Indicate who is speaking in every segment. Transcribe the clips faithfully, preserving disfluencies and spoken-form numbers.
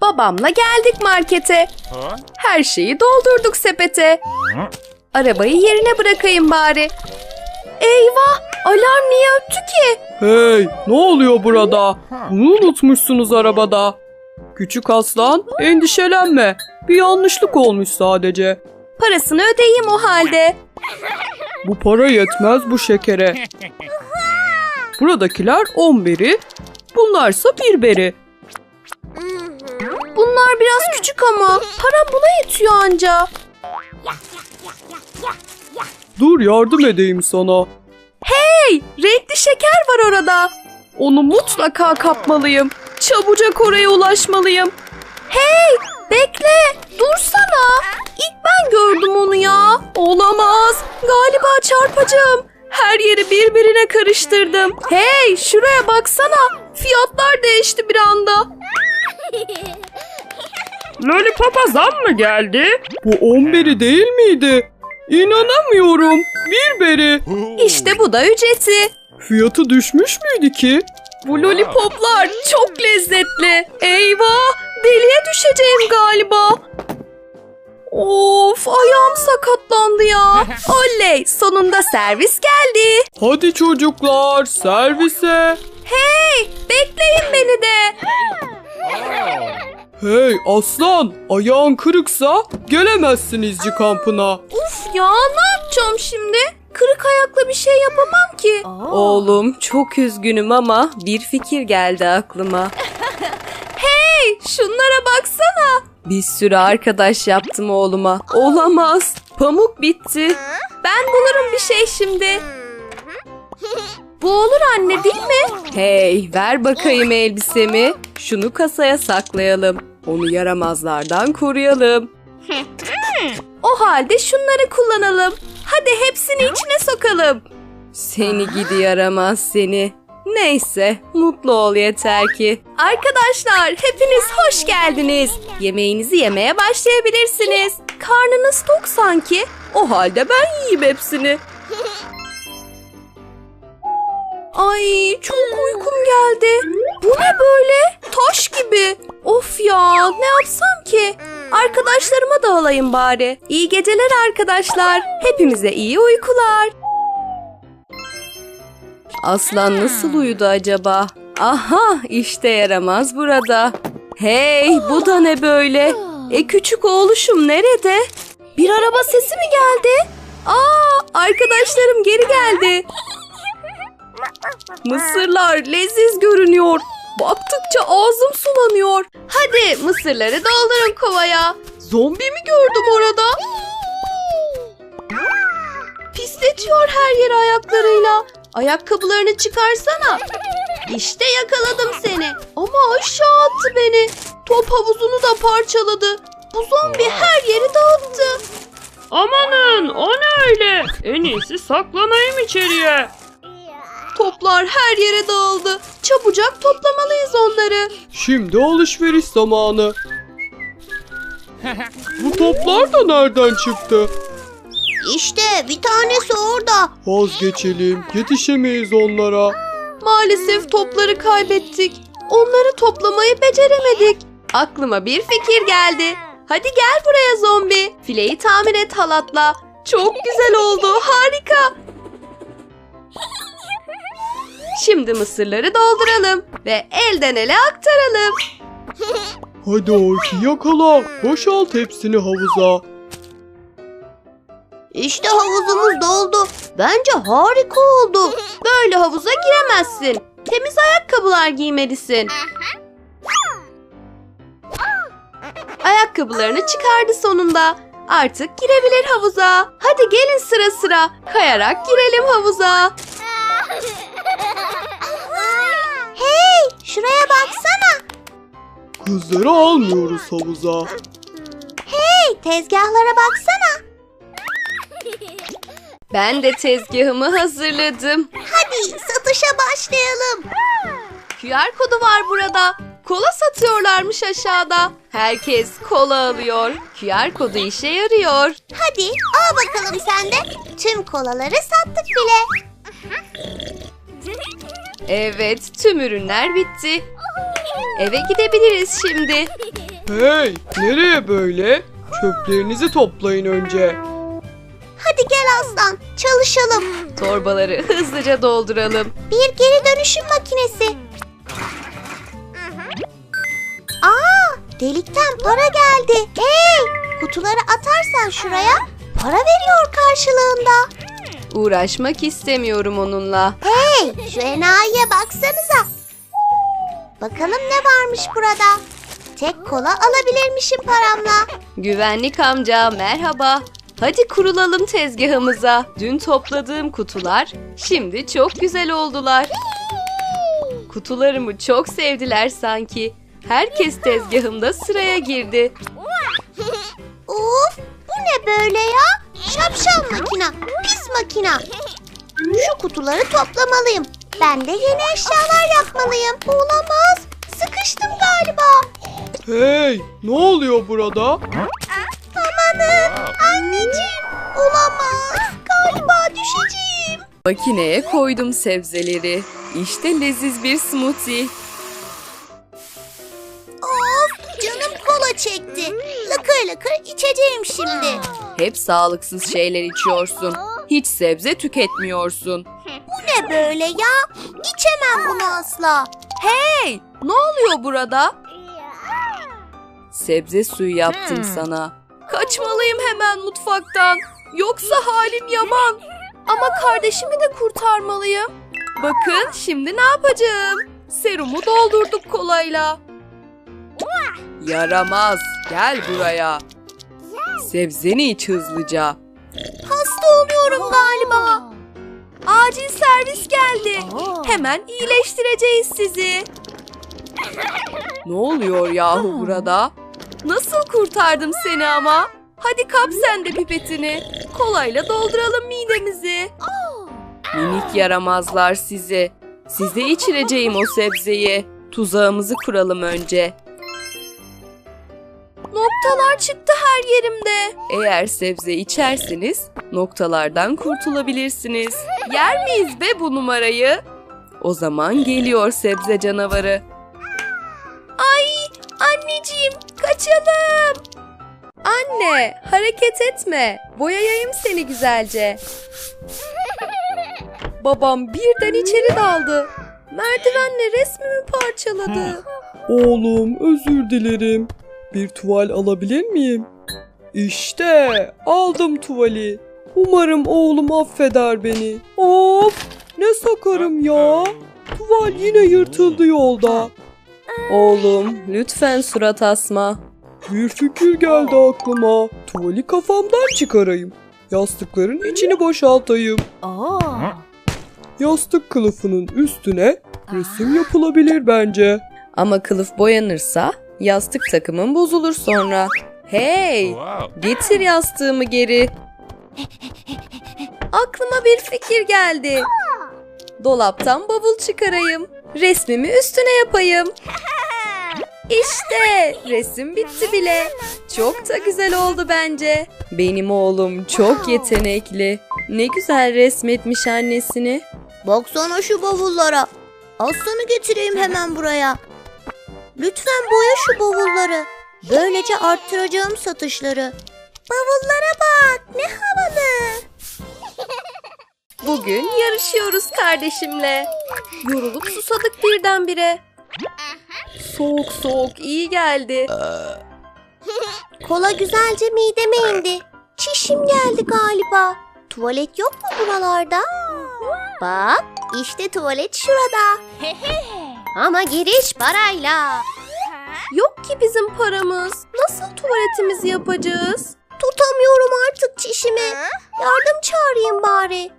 Speaker 1: Babamla geldik markete. Her şeyi doldurduk sepete. Arabayı yerine bırakayım bari. Eyvah! Alarm niye öttü ki?
Speaker 2: Hey, ne oluyor burada? Bunu unutmuşsunuz arabada. Küçük aslan, endişelenme. Bir yanlışlık olmuş sadece.
Speaker 1: Parasını ödeyeyim o halde.
Speaker 2: Bu para yetmez bu şekere. Buradakiler on beri, bunlarsa bir beri.
Speaker 1: Bunlar biraz küçük ama param buna yetiyor anca.
Speaker 2: Dur yardım edeyim sana.
Speaker 1: Hey! Renkli şeker var orada. Onu mutlaka kapmalıyım. Çabucak oraya ulaşmalıyım. Hey! Bekle! Dursana! İlk ben gördüm onu ya. Olamaz. Galiba çarpacağım. Her yeri birbirine karıştırdım. Hey! Şuraya baksana. Fiyatlar değişti bir anda.
Speaker 2: Lollipop'a zam mı geldi? Bu on beri değil miydi? İnanamıyorum. Bir beri.
Speaker 1: İşte bu da ücreti.
Speaker 2: Fiyatı düşmüş müydü ki?
Speaker 1: Bu lollipoplar çok lezzetli. Eyvah! Deliye düşeceğim galiba. Of, ayağım sakatlandı ya. Oley, sonunda servis geldi.
Speaker 2: Hadi çocuklar servise.
Speaker 1: Hey, bekleyin beni de.
Speaker 2: Hey aslan, ayağın kırıksa gelemezsin izci kampına.
Speaker 1: Uf ya, ne yapacağım şimdi? Kırık ayakla bir şey yapamam ki.
Speaker 3: Oğlum çok üzgünüm ama bir fikir geldi aklıma.
Speaker 1: Hey, şunlara baksana.
Speaker 3: Bir sürü arkadaş yaptım oğluma. Olamaz. Pamuk bitti.
Speaker 1: Ben bulurum bir şey şimdi. Bu olur anne, değil mi?
Speaker 3: Hey, ver bakayım elbisemi. Şunu kasaya saklayalım. Onu yaramazlardan koruyalım.
Speaker 1: O halde şunları kullanalım. Hadi hepsini içine sokalım.
Speaker 3: Seni gidi yaramaz seni. Neyse, mutlu ol yeter ki.
Speaker 1: Arkadaşlar, hepiniz hoş geldiniz. Yemeğinizi yemeye başlayabilirsiniz. Karnınız tok sanki.
Speaker 3: O halde ben yiyeyim hepsini.
Speaker 1: Ay, çok uykum geldi. Bu ne böyle? Taş gibi. Of ya, ne yapsam ki? Arkadaşlarıma da alayım bari. İyi geceler arkadaşlar. Hepimize iyi uykular.
Speaker 3: Aslan nasıl uyudu acaba? Aha, işte yaramaz burada. Hey, bu da ne böyle? E küçük oğluşum nerede?
Speaker 1: Bir araba sesi mi geldi? Aa, arkadaşlarım geri geldi. Mısırlar leziz görünüyor. Baktıkça ağzım sulanıyor. Hadi mısırları doldurun kovaya. Zombi mi gördüm orada? Pisletiyor her yeri ayaklarıyla. Ayakkabılarını çıkarsana. İşte yakaladım seni. Ama aşağı attı beni. Top havuzunu da parçaladı. Bu zombi her yeri dağıttı.
Speaker 2: Amanın, o ne öyle? En iyisi saklanayım içeriye.
Speaker 1: Toplar her yere dağıldı. Çabucak toplamalıyız onları.
Speaker 2: Şimdi alışveriş zamanı. Bu toplar da nereden çıktı?
Speaker 1: İşte bir tanesi orada.
Speaker 2: Vazgeçelim, yetişemeyiz onlara.
Speaker 1: Maalesef topları kaybettik. Onları toplamayı beceremedik. Aklıma bir fikir geldi. Hadi gel buraya zombi. Fileyi tamir et halatla. Çok güzel oldu. Harika. Şimdi mısırları dolduralım ve elden ele aktaralım.
Speaker 2: Hadi Orki yakala, boşalt hepsini havuza.
Speaker 1: İşte havuzumuz doldu. Bence harika oldu. Böyle havuza giremezsin. Temiz ayakkabılar giymelisin. Ayakkabılarını çıkardı sonunda. Artık girebilir havuza. Hadi gelin sıra sıra. Kayarak girelim havuza. Hey, şuraya baksana.
Speaker 2: Kızları almıyoruz havuza.
Speaker 1: Hey, tezgahlara baksana.
Speaker 3: Ben de tezgahımı hazırladım.
Speaker 1: Hadi satışa başlayalım. Q R kodu var burada. Kola satıyorlarmış aşağıda.
Speaker 3: Herkes kola alıyor. Q R kodu işe yarıyor.
Speaker 1: Hadi al bakalım sen de. Tüm kolaları sattık bile.
Speaker 3: Evet, tüm ürünler bitti. Eve gidebiliriz şimdi.
Speaker 2: Hey, nereye böyle? Çöplerinizi toplayın önce.
Speaker 4: Hadi gel aslan, çalışalım.
Speaker 3: Torbaları hızlıca dolduralım.
Speaker 4: Bir geri dönüşüm makinesi. Aa, delikten para geldi. Hey, kutuları atarsan şuraya para veriyor karşılığında.
Speaker 3: Uğraşmak istemiyorum onunla.
Speaker 4: Hey, şu enayiye baksanıza. Bakalım ne varmış burada. Tek kola alabilirmişim paramla.
Speaker 3: Güvenlik amca merhaba. Hadi kurulalım tezgahımıza. Dün topladığım kutular şimdi çok güzel oldular. Kutularımı çok sevdiler sanki. Herkes tezgahımda sıraya girdi.
Speaker 4: Of, bu ne böyle ya? Şapşal makina, pis makina. Şu kutuları toplamalıyım. Ben de yeni eşyalar yapmalıyım. Olamaz, sıkıştım galiba.
Speaker 2: Hey, ne oluyor burada?
Speaker 4: Amanın, anneciğim. Olamaz, galiba düşeceğim.
Speaker 3: Makineye koydum sebzeleri. İşte leziz bir smoothie.
Speaker 4: Of, canım kola çekti. Lıkır lıkır içeceğim şimdi.
Speaker 3: Hep sağlıksız şeyler içiyorsun. Hiç sebze tüketmiyorsun.
Speaker 4: Bu ne böyle ya? İçemem bunu asla.
Speaker 3: Hey, ne oluyor burada? Sebze suyu yaptım sana. Kaçmalıyım hemen mutfaktan. Yoksa halim yaman. Ama kardeşimi de kurtarmalıyım. Bakın şimdi ne yapacağım? Serumu doldurduk kolayla. Yaramaz. Gel buraya. Sebzeni iç hızlıca.
Speaker 4: Hasta oluyorum galiba.
Speaker 3: Acil servis geldi. Hemen iyileştireceğiz sizi. Ne oluyor yahu burada? Nasıl kurtardım seni ama? Hadi kap sen de pipetini. Kolayla dolduralım midemizi. Minik yaramazlar sizi. Size içireceğim o sebzeyi. Tuzağımızı kuralım önce. Noktalar çıktı her yerimde. Eğer sebze içerseniz noktalardan kurtulabilirsiniz. Yer miyiz be bu numarayı? O zaman geliyor sebze canavarı. Ay anneciğim kaçalım. Anne hareket etme. Boyayayım seni güzelce. Babam birden içeri daldı. Merdivenle resmimi parçaladı.
Speaker 2: Oğlum, özür dilerim. Bir tuval alabilir miyim? İşte aldım tuvali. Umarım oğlum affeder beni. Of, ne sakarım ya. Tuval yine yırtıldı yolda.
Speaker 3: Oğlum lütfen surat asma.
Speaker 2: Bir fikir geldi aklıma. Tuvali kafamdan çıkarayım. Yastıkların içini boşaltayım. Yastık kılıfının üstüne resim yapılabilir bence.
Speaker 3: Ama kılıf boyanırsa yastık takımın bozulur sonra. Hey, getir yastığımı geri. Aklıma bir fikir geldi. Dolaptan bavul çıkarayım. Resmimi üstüne yapayım. İşte resim bitti bile. Çok da güzel oldu bence. Benim oğlum çok yetenekli. Ne güzel resmetmiş annesini.
Speaker 4: Baksana şu bavullara. Aslanı getireyim hemen buraya. Lütfen boya şu bavulları. Böylece arttıracağım satışları. Bavullara bak, ne havalı.
Speaker 3: Bugün yarışıyoruz kardeşimle. Yorulup susadık birdenbire. Soğuk soğuk iyi geldi.
Speaker 4: Kola güzelce mideme indi. Çişim geldi galiba. Tuvalet yok mu buralarda? Bak, işte tuvalet şurada. Ama giriş parayla.
Speaker 3: Yok ki bizim paramız. Nasıl tuvaletimizi yapacağız?
Speaker 4: Tutamıyorum artık çişimi. Yardım çağırayım bari.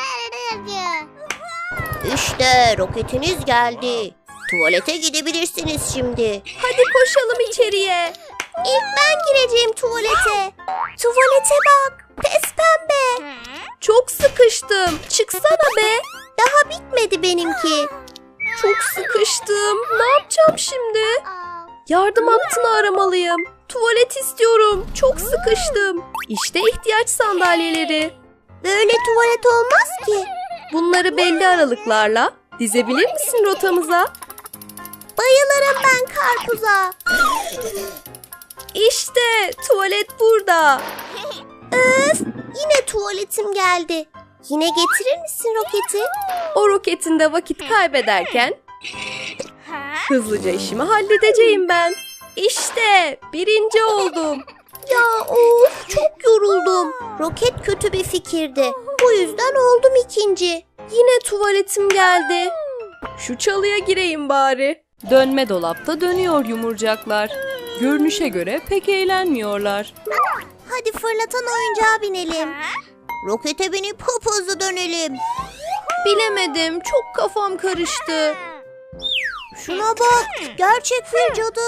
Speaker 4: İşte roketiniz geldi. Tuvalete gidebilirsiniz şimdi.
Speaker 3: Hadi koşalım içeriye.
Speaker 4: İlk ben gireceğim tuvalete. Tuvalete bak. Pes pembe.
Speaker 3: Çok sıkıştım. Çıksana be.
Speaker 4: Daha bitmedi benimki.
Speaker 3: Çok sıkıştım. Ne yapacağım şimdi? Yardım hattını aramalıyım. Tuvalet istiyorum. Çok sıkıştım. İşte ihtiyaç sandalyeleri.
Speaker 4: Böyle tuvalet olmaz ki.
Speaker 3: Bunları belli aralıklarla dizebilir misin rotamıza?
Speaker 4: Bayılırım ben karpuza.
Speaker 3: İşte tuvalet burada.
Speaker 4: Öf, yine tuvaletim geldi. Yine getirir misin roketi?
Speaker 3: O roketinde vakit kaybederken hızlıca işimi halledeceğim ben. İşte birinci oldum.
Speaker 4: Ya of, çok yoruldum. Roket kötü bir fikirdi. Bu yüzden oldum ikinci.
Speaker 3: Yine tuvaletim geldi. Şu çalıya gireyim bari. Dönme dolapta dönüyor yumurcaklar. Görünüşe göre pek eğlenmiyorlar.
Speaker 4: Hadi fırlatan oyuncağa binelim. Rokete binip hop hızlı dönelim.
Speaker 3: Bilemedim, çok kafam karıştı.
Speaker 4: Şuna bak, gerçek bir cadı.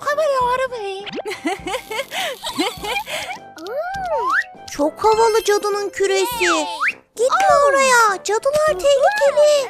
Speaker 4: Çok havalı cadının küresi. Gitme oraya, cadılar tehlikeli.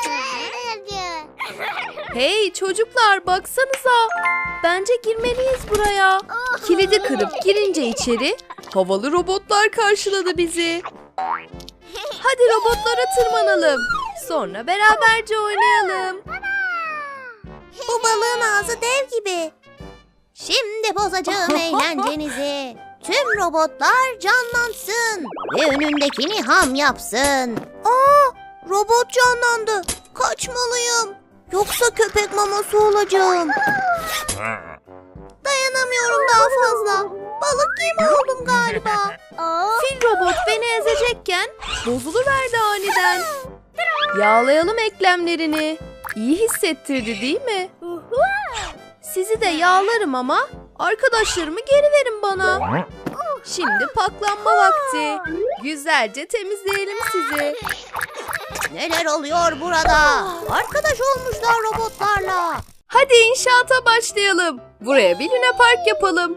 Speaker 3: Hey çocuklar baksanıza. Bence girmeliyiz buraya. Kilidi kırıp girince içeri havalı robotlar karşıladı bizi. Hadi robotlara tırmanalım. Sonra beraberce oynayalım.
Speaker 4: Bu balığın ağzı dev gibi. Şimdi bozacağım eğlencenizi. Tüm robotlar canlansın ve önündekini ham yapsın. Aa, robot canlandı. Kaçmalıyım. Yoksa köpek maması olacağım. Dayanamıyorum daha fazla. Balık yemi oldum galiba.
Speaker 3: Fil robot beni ezecekken bozuluverdi aniden. Yağlayalım eklemlerini. İyi hissettirdi değil mi? Sizi de yağlarım ama arkadaşlarımı geri verin bana. Şimdi paklanma vakti. Güzelce temizleyelim sizi.
Speaker 4: Neler oluyor burada? Arkadaş olmuşlar robotlarla.
Speaker 3: Hadi inşaata başlayalım. Buraya bir luna park yapalım.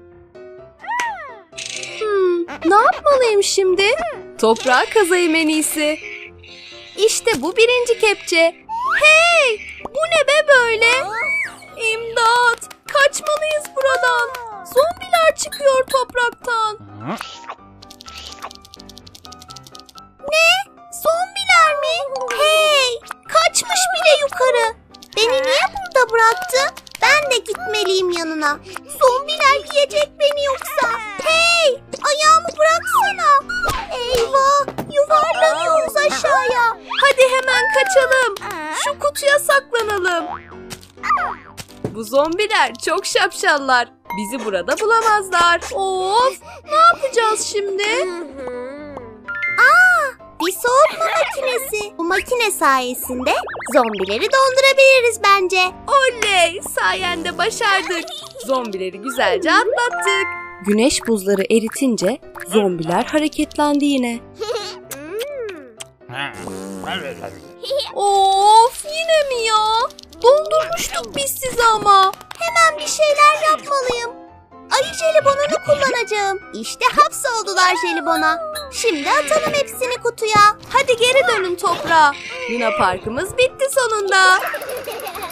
Speaker 3: Hmm, ne yapmalıyım şimdi? Toprağa kazayım en iyisi. İşte bu birinci kepçe. Hey! Bu ne be böyle? İmdat! Kaçmalıyız buradan. Zombiler çıkıyor topraktan.
Speaker 4: Ne? Zombiler mi? Hey! Kaçmış bile yukarı. Beni niye burada bıraktı? Ben de gitmeliyim yanına. Zombiler yiyecek beni yoksa. Hey! Ayağımı bıraksana. Eyvah! Yuvarlanıyoruz aşağıya.
Speaker 3: Hadi hemen kaçalım. Şu kutuya saklanalım. Bu zombiler çok şapşallar. Bizi burada bulamazlar. Of! Ne yapacağız şimdi?
Speaker 4: Aa! Bir soğutma makinesi. Bu makine sayesinde zombileri dondurabiliriz bence.
Speaker 3: Oley! Sayende başardık. Zombileri güzelce atlattık. Güneş buzları eritince zombiler hareketlendi yine. Of! Yine mi ya? Dondurmuştuk biz sizi ama.
Speaker 4: Hemen bir şeyler yapmalıyım. Ayı jelibonunu kullanacağım. İşte hapsoldular jelibona. Şimdi atalım hepsini kutuya.
Speaker 3: Hadi geri dönün toprağa. Luna Parkımız bitti sonunda.